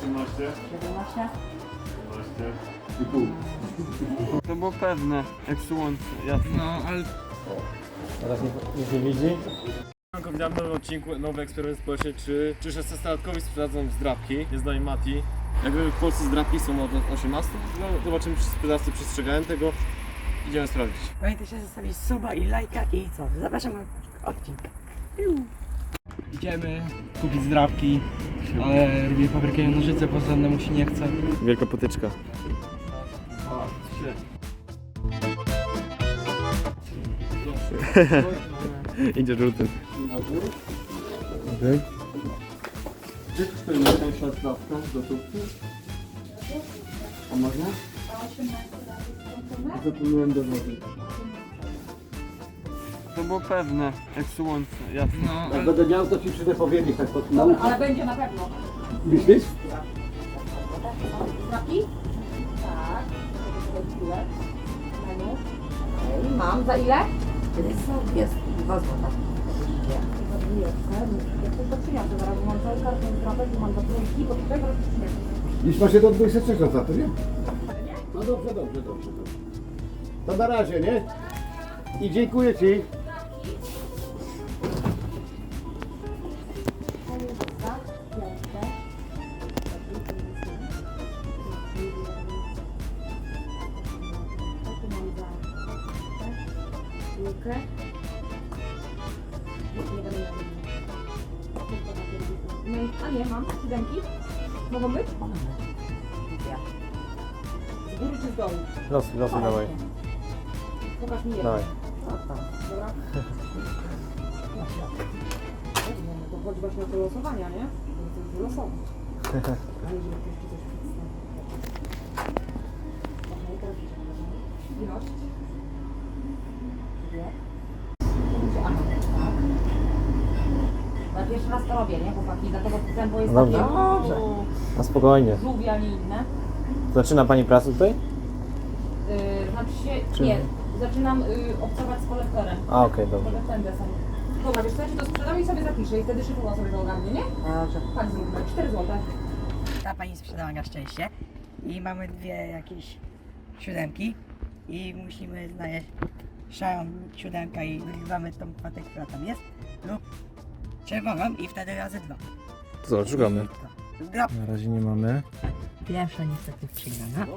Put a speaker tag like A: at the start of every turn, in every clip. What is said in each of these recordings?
A: 18,
B: 17.
A: 17,5.
C: To było pewne, jak słońce, jasne.
D: No, ale...
C: Teraz nic nie widzi?
A: Witam w nowym odcinku, nowy eksperyment społeczny, czy 16-latkowi sprzedadzą zdrabki. Jest z nami Mati. Jakby w Polsce zdrabki są od 18, no zobaczymy, czy sprzedawcy przestrzegają tego. Idziemy sprawdzić.
B: Pamiętajcie zostawić suba i lajka i co? Zapraszam na odcinek.
D: Idziemy kupić zdrabki, ale robię papierkę i nożyce, bo żadnemu się nie chce.
A: Wielka potyczka. Idzie żółty.
C: Gdzie kosztuje najtańsza zdrabka do tubki? A można? Zapomniałem do wody. To było pewne, jak słońce, jasne.
D: No, ale...
E: Jak będę miał, to ci przyjdę powiedzieć tak pod
B: Dobra, ale będzie na pewno.
E: Myślisz?
B: Znaki? Tak. Chwilę. Mam. Za ile? Jest 2 złota. Jak to przyniosę, zaraz mam cały karton zdrabek i mam do trójki, bo tutaj zaraz przyniosę.
E: Już ma się do 23 za to, nie? No dobrze. To na razie, nie? I dziękuję ci.
B: A nie, mam 7. Mogą być? Z góry czy z dołu?
C: Losy dawaj.
B: Pokaż mi jedno.
C: Dawaj.
B: Dobra. To chodzi właśnie o te losowania, nie? To jest wylosować. Ale żeby jeszcze coś przedstawić. Okej, teraz ilość. Dwie. Tak. Na pierwszy raz to robię, nie chłopaki? Dlatego tempo jest
C: Dobrze.
B: takie
C: Na spokojnie.
B: żółwie, a nie inne.
C: Zaczyna pani pracę tutaj?
B: Znaczy się, nie, zaczynam obcować z kolektorem.
C: A, okej, dobrze.
B: Tędy są. Dobra, wiesz co, ja ci to sprzedam i sobie zapiszę i wtedy szybko sobie to ogarnie, nie? Dobrze. Tak zróbmy, 4 zł.
F: Ta pani sprzedała na szczęście i mamy 2 jakieś 7 i musimy znaleźć szarą 7 i wyrywamy tą kwotę, która tam jest lub czerwoną i wtedy razy 2.
C: To co, szukamy.
F: Drop.
C: Na razie nie mamy.
F: Pierwsza niestety przegrana.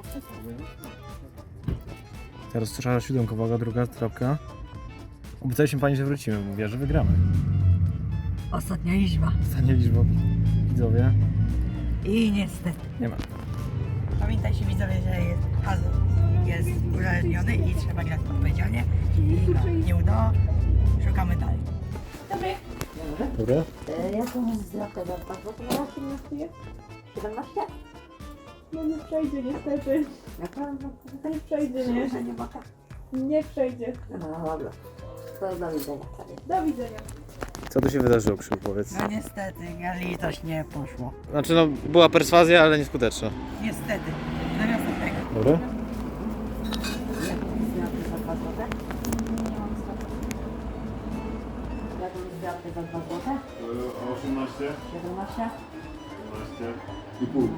C: Teraz szara siódemka, uwaga, druga trapka. Obiecaliśmy pani, że wrócimy, mówię, że wygramy.
F: Ostatnia liczba
C: Ostatnia liczba, widzowie.
F: i niestety.
C: Nie ma.
F: Pamiętajcie widzowie, że jest puzzle jest uzależniony i trzeba grać odpowiedzialnie i no, nie udało, szukamy dalej.
C: Dobra?
B: Jaką zdrapkę za 2 zł? Na 18 jest? 17? No nie przejdzie niestety. Nie przejdzie, nie?
F: Że nie ma tak.
B: Nie przejdzie.
F: No dobra. To do widzenia.
B: Do widzenia.
C: Co tu się wydarzyło, Krzył, powiedz?
F: No niestety, na litość nie poszło.
C: Znaczy no, była perswazja, ale nieskuteczna.
F: Niestety. Zamiast tego.
C: Dobra?
B: Jaką zdrapkę za 2 zł?
A: 18,
B: 17?
A: 12.
E: I pół.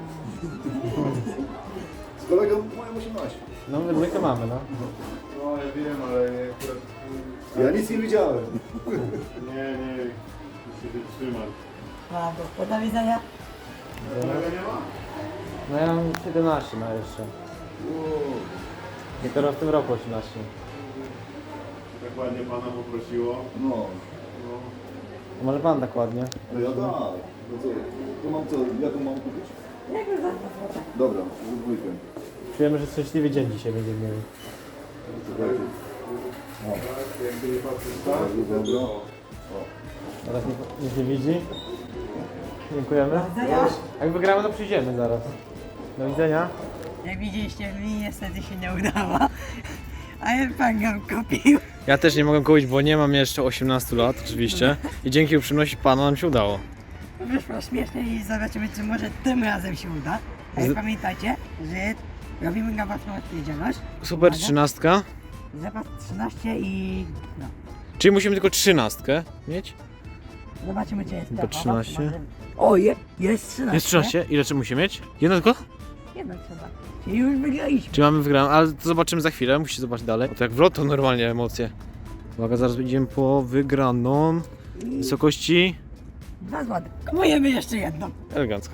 E: Z kolegą mają 18.
C: No, my dwójkę mamy, no.
A: No ja wiem, ale akurat...
E: Ja nic nie widziałem.
A: Nie, muszę się trzymać.
F: Brawo. Do widzenia.
A: Tego nie ma?
C: No ja mam 17 na jeszcze. Dopiero w tym roku 18.
A: Tak ładnie pana poprosiło.
E: No,
A: No.
C: To może pan tak ładnie.
E: no ja tak. No co, to mam co, jaką mam kupić? Dobra, dwójkę.
C: Czujemy, że szczęśliwy dzień dzisiaj będzie mieli.
E: Czekajcie.
A: Jak nie patrzysz tak?
E: Bardzo dobra.
C: Teraz nic nie widzi. Dziękujemy. Jak wygramy, to przyjdziemy zaraz. Do widzenia.
F: Jak widzieliście, mi niestety się nie udało. Ale pan ją kupił.
C: Ja też nie mogę kupić, bo nie mam jeszcze 18 lat oczywiście. I dzięki uprzejmości pana nam się udało.
F: Wyszło śmiesznie i zobaczymy, czy może tym razem się uda. Ale pamiętajcie, że robimy na własną odpowiedzialność.
C: Super
F: Uwaga.
C: 13.
F: Zapas 13 i no.
C: Czyli musimy tylko 13 mieć?
F: Zobaczymy, czy jest
C: Chyba
F: pełna.
C: 13.
F: O, jest 13.
C: Jest 13? Ile czy musi mieć? Jedno tylko?
F: Jedno trzeba. Czyli już wygraliśmy.
C: Czy mamy wygraną? Ale to zobaczymy za chwilę, musicie zobaczyć dalej. O, to jak w loto normalnie emocje. Uwaga, zaraz idziemy po wygraną. Wysokości
F: 2 złote. Kupujemy jeszcze jedną.
C: elegancko.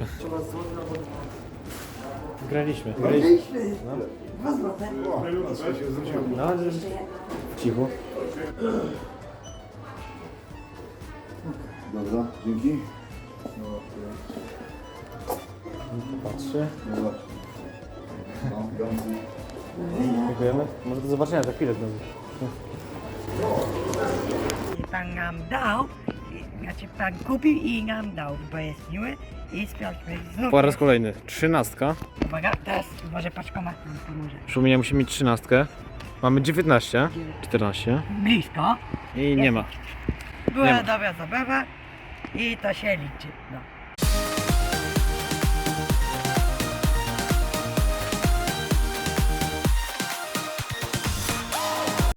C: Wygraliśmy.
F: Wygraliśmy. 2 złote.
C: No, cicho.
E: Dobra, dzięki.
C: Patrzy.
E: Dobra. No, dzięki.
C: Dziękujemy. Może do zobaczenia za chwilę znowu.
F: Pan nam dał, znaczy pan kupił i nam dał, bo jest miły i sprawdźmy znów.
C: Po raz kolejny. 13.
F: Uwaga, teraz może paczkomat nam pomoże.
C: Przypomnienia musi mieć 13. Mamy 19, 14
F: Blisko.
C: i nie ma.
F: Była
C: Nie ma.
F: dobra zabawa i to się liczy. No.